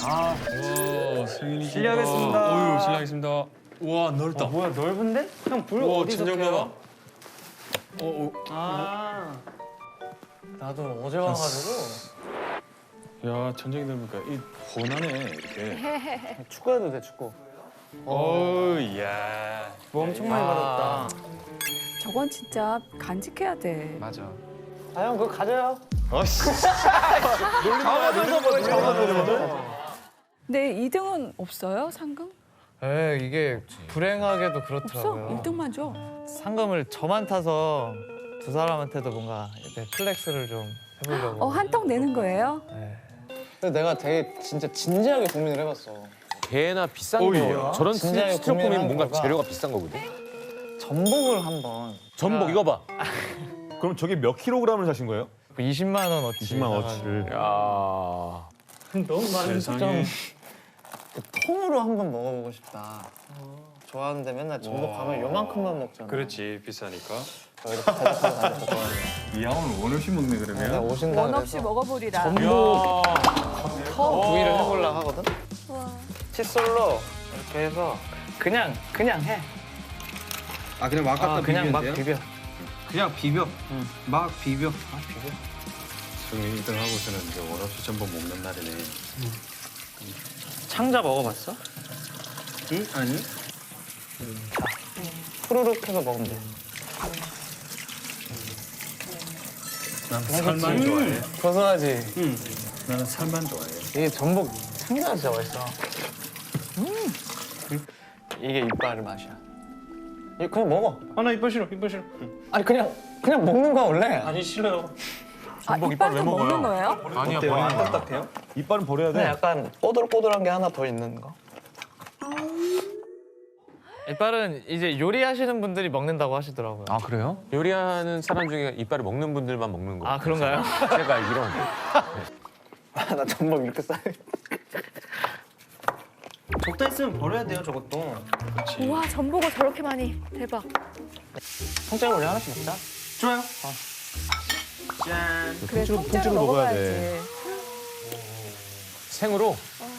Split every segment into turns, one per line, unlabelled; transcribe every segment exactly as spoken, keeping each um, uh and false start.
아,
와, 승인이
실례하겠습니다.
어유, 실례하겠습니다. 와, 넓다.
어, 뭐야 넓은데? 형 불
와,
어디서
천장
켜요?
봐봐. 어, 어.
아, 나도 어제 와가지고
야, 천장이 넓으니까 이 훤하네 이렇게.
축구해도 돼 축구.
어우, 야.
뭐 엄청 많이 받았다.
저건 진짜 간직해야 돼.
맞아.
아 형 그거 가져요.
어씨.
잡아줘서 뭐 잡아줘서.
근데 이 등은 없어요? 상금?
에 이게 불행하게도
없어?
그렇더라고요.
일 등만 줘.
상금을 저만 타서 두 사람한테도 뭔가 이렇게 플렉스를 좀 해보려고.
어, 한 턱 내는 거예요?
네.
근데 내가 되게 진짜 진지하게 고민을 해봤어.
개나 비싼
오이야.
거 저런
진지하게
스티로폼이면
고민한
뭔가
거가.
재료가 비싼 거거든.
전복을 한번.
전복 이거 봐.
그럼 저게 몇 킬로그램을 사신 거예요?
이십만 원어치.
이십만 원어치를.
야.
너무 많은
세상에.
그 통으로 한번 먹어보고 싶다. 좋아하는데 맨날 전복 가면 요만큼만 먹잖아.
그렇지, 비싸니까.
이렇게 대답하고 다녔거든.
이 양은 원 없이 먹네
내가
그러면.
오신다
원
그래서
없이 먹어보리라.
전복 터 부위를 해보려고 하거든. 칫솔로 이렇게 해서 그냥 그냥 해.
아 그냥 막 갖다
아, 그냥 막
비비면 돼요?
비벼.
그냥 비벼.
응.
막 비벼.
막 비벼.
승인이 일 등 하고서는 이제 원 없이 전복 먹는 날이네.
창자 먹어봤어?
응? 아니.
후루룩 해서 먹으면 돼.
난 살만 좋아해.
고소하지?
응.
나는 살만 좋아해.
이게 전복 창자가 진짜 맛있어. 음. 이게 이빨 맛이야. 이거 그냥 먹어.
아나 이빨 싫어. 이빨 싫어.
아니 그냥 그냥 먹는 거야 원래.
아니 싫어요.
아, 이빨도 먹는 거예요?
아니야
어때요? 안
버리는 거야.
딱딱해요?
이빨은 버려야
근데
돼.
약간 꼬들꼬들한 게 하나 더 있는 거.
이빨은 이제 요리하시는 분들이 먹는다고 하시더라고요.
아 그래요? 요리하는 사람 중에 이빨을 먹는 분들만 먹는 거.
아, 그런가요?
제가 알기론.
아, 나 전복 이렇게 싸.
적다 있으면 버려야 돼요 저것도.
우와, 전복을 저렇게 많이. 대박.
통째로 우리 하나씩 먹자.
좋아요. 짠.
그래,
통째로-
통째로
통째로 먹어야
먹어야지.
돼.
생으로.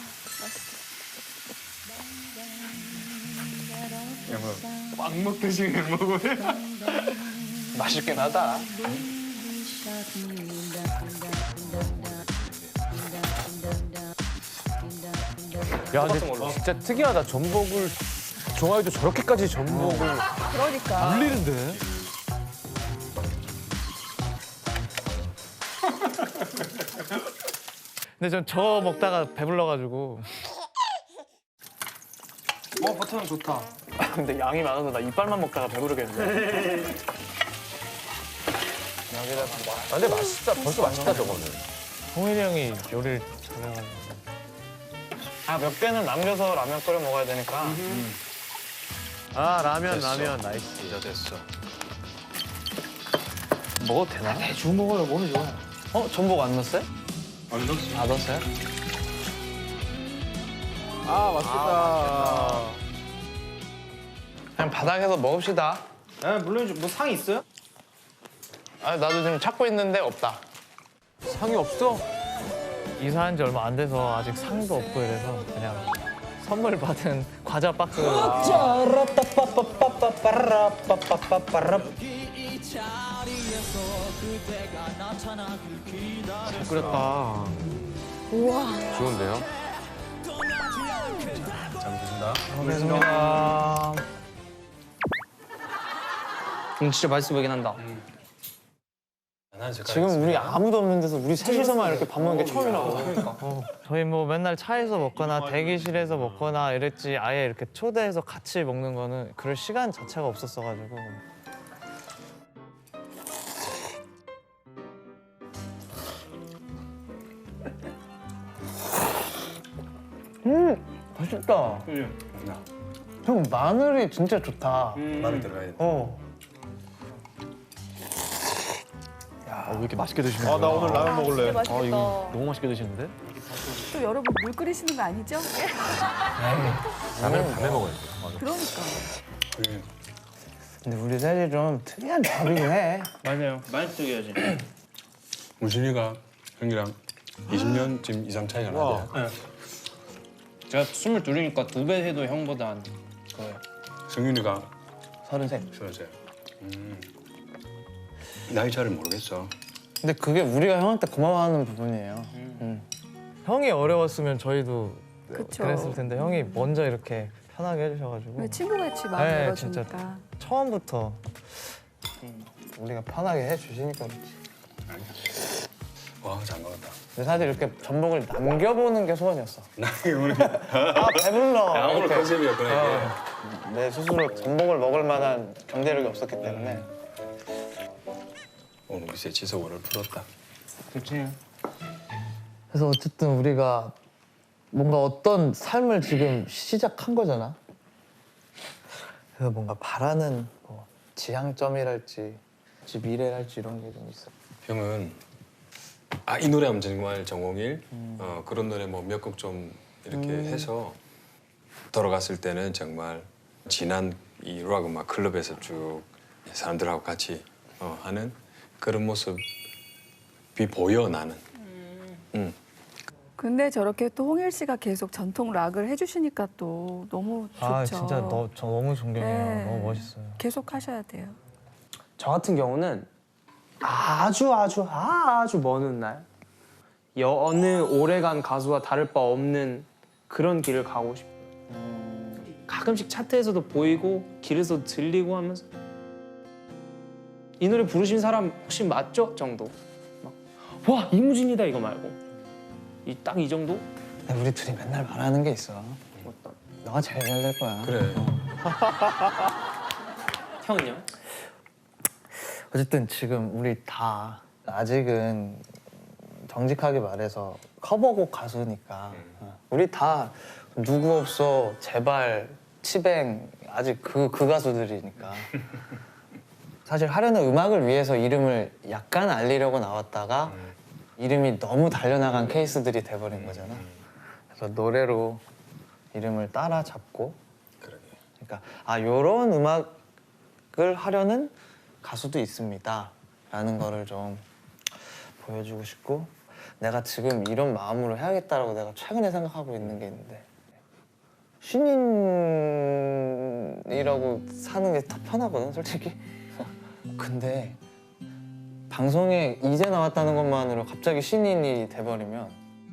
빵 먹듯이 그냥 먹어.
맛있긴 하다.
야 근데 진짜 특이하다. 전복을 좋아해도 저렇게까지 전복을
그러니까.
물리는데? 근데 전 저 먹다가 배불러가지고.
어 버터는 좋다.
근데 양이 많아서 나 이빨만 먹다가 배부르겠는데. 여기다가 뭐.
아, 근데 맛있다. 벌써 맛있다 저거는.
홍일이 형이 요리를 잘해가지고.
아몇 개는 남겨서 라면 끓여 먹어야 되니까.
아 라면
됐어.
라면 나이스.
진짜 됐어.
먹어도 되나? 대충 먹어요. 몸이 좋아. 어 전복 안 넣었어요?
안 넣었어.
안 넣었어요?
아 맛있겠다.
그냥 바닥에서 먹읍시다.
아 물론 뭐 상이 있어요?
아 나도 지금 찾고 있는데 없다.
상이 없어?
이사한 지 얼마 안 돼서 아직 상도 없고 이래서 그냥 선물 받은 과자 박스.
잘 끓였다.
우와.
좋은데요?
잘 먹겠습니다.
감사합니다.
음 진짜 맛있어 보이긴 한다.
난 색깔
지금 우리 아무도 없는 데서 우리 셋이서만 이렇게 밥 먹는 게 처음이라고.
어, 저희 뭐 맨날 차에서 먹거나 대기실에서 먹거나 이랬지 아예 이렇게 초대해서 같이 먹는 거는 그럴 시간 자체가 없었어가지고.
음 맛있다.
응.
형 마늘이 진짜 좋다.
마늘 들어가야 돼.
어.
어, 왜 이렇게 맛있게 드시는
아, 나 오늘 라면 먹을래.
진짜 맛있겠다.
아 이거 너무 맛있게 드시는데?
또 여러분 물 끓이시는 거 아니죠?
라면 밤에 먹어야 돼.
그러니까.
근데 우리 셋이 좀 특이한 조합이긴 해.
맞아요. 많이 뜨겨야지.
우진이가 형이랑 이십 년쯤 이상 차이가 나대.
제가 스물둘이니까 두 배 해도 형보다 한 그거예요.
승윤이가
서른셋.
서른세. 음. 나이 차를 모르겠어.
근데 그게 우리가 형한테 고마워하는 부분이에요. 음. 형이 어려웠으면 저희도
그쵸.
그랬을 텐데 형이 먼저 이렇게 편하게 해주셔가지고
왜 친구같이 마음
네,
열어주니까.
처음부터 우리가 편하게 해주시니까 그렇지.
와, 잘 먹었다.
근데 사실 이렇게 전복을 남겨보는 게 소원이었어.
나 오늘
아 배불러.
아, 오늘
이렇게.
컨셉이었구나 이게.
어, 내 스스로 전복을 먹을 만한 경제력이 없었기 때문에.
오늘 글쎄 지석원을 풀었다.
그치.
그래서 어쨌든 우리가 뭔가 어떤 삶을 지금 시작한 거잖아. 그래서 뭔가 바라는 뭐 지향점이랄지 미래랄지 이런 게 좀 있어.
형은 아 이 노래 하면 정말 정홍일 어, 그런 노래 뭐 몇 곡 좀 이렇게 해서 돌아갔을 때는 정말 지난 이 락 음악 클럽에서 쭉 사람들하고 같이 어, 하는 그런 모습이 보여 나는. 음.
근데 저렇게 또 홍일 씨가 계속 전통 락을 해주시니까 또 너무 좋죠.
아 진짜 너, 저 너무 존경해요.
네.
너무 멋있어요.
계속 하셔야 돼요.
저 같은 경우는 아주 아주 아주 먼 훗날 어느 오래간 가수와 다를 바 없는 그런 길을 가고 싶어요. 가끔씩 차트에서도 보이고 길에서 들리고 하면서 이 노래 부르신 사람 혹시 맞죠? 정도. 막, 와 이무진이다 이거 말고 이 딱 이 정도?
근데 우리 둘이 맨날 말하는 게 있어.
어떤?
너가 제일 잘 될 거야.
그래.
형은요?
어쨌든 지금 우리 다 아직은 정직하게 말해서 커버곡 가수니까 어. 우리 다 누구 없어 제발 치뱅 아직 그, 그 가수들이니까 사실 하려는 음악을 위해서 이름을 약간 알리려고 나왔다가 이름이 너무 달려나간 케이스들이 돼버린 거잖아. 그래서 노래로 이름을 따라잡고
그러게.
그러니까 아 요런 음악을 하려는 가수도 있습니다 라는 거를 좀 보여주고 싶고 내가 지금 이런 마음으로 해야겠다라고 내가 최근에 생각하고 있는 게 있는데 신인이라고 사는 게 더 편하거든 솔직히. 근데 방송에 이제 나왔다는 것만으로 갑자기 신인이 돼버리면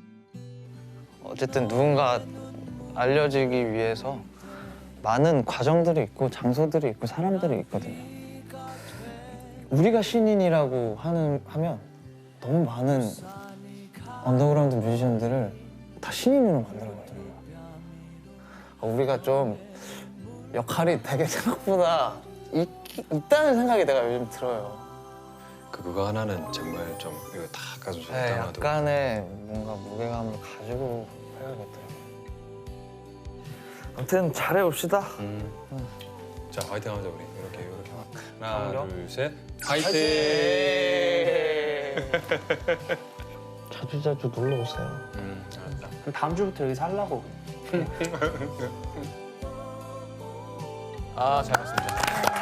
어쨌든 누군가 알려지기 위해서 많은 과정들이 있고 장소들이 있고 사람들이 있거든요. 우리가 신인이라고 하는, 하면 너무 많은 언더그라운드 뮤지션들을 다 신인으로 만들거든요. 우리가 좀 역할이 되게 생각보다 있, 있다는 생각이 내가 요즘 들어요.
그 그거 하나는 정말 좀 이거 다 가수 좀
네,
담아도
약간의 뭔가 무게감을 가지고 해야겠더라고요. 아무튼 잘해봅시다.
음. 자 화이팅 하자 우리 이렇게 이렇게 하나
그럼요.
둘 셋 화이팅.
자주 자주 놀러 오세요.
음, 알았다.
그럼 다음 주부터 여기 살라고.
아, 잘 봤습니다.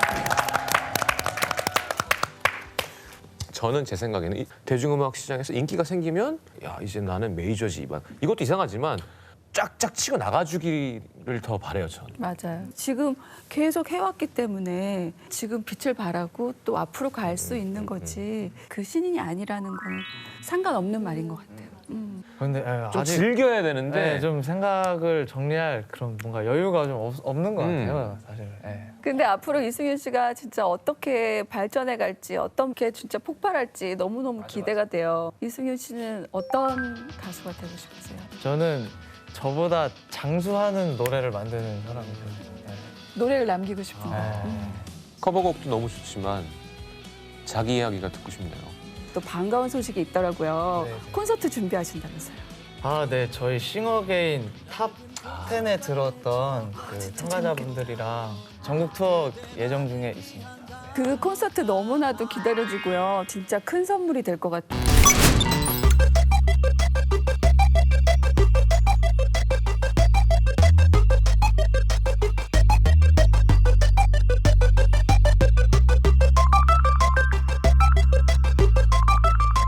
저는 제 생각에는 이 대중음악 시장에서 인기가 생기면 야 이제 나는 메이저지 막 이것도 이상하지만 쫙쫙 치고 나가주기를 더 바래요 전.
맞아요. 지금 계속 해왔기 때문에 지금 빛을 발하고 또 앞으로 갈 수 있는 거지 그 신인이 아니라는 건 상관없는 말인 것 같아요. 음.
근데 에,
좀
아직
즐겨야 되는데
네, 좀 생각을 정리할 그런 뭔가 여유가 좀 없, 없는 것
음.
같아요 사실. 예.
근데 앞으로 이승윤 씨가 진짜 어떻게 발전해 갈지 어떻게 진짜 폭발할지 너무너무 기대가 돼요. 이승윤 씨는 어떤 가수가 되고 싶으세요?
저는 저보다 장수하는 노래를 만드는 사람이죠. 네.
노래를 남기고 싶은 거.
네.
음.
커버곡도 너무 좋지만 자기 이야기가 듣고 싶네요.
또 반가운 소식이 있더라고요.
네, 네.
콘서트 준비하신다면서요.
아, 네, 저희 싱어게인 탑 텐에 들었던 그
진짜
참가자분들이랑 전국 투어 예정 중에 있습니다.
그 콘서트 너무나도 기다려지고요. 진짜 큰 선물이 될 것 같아요.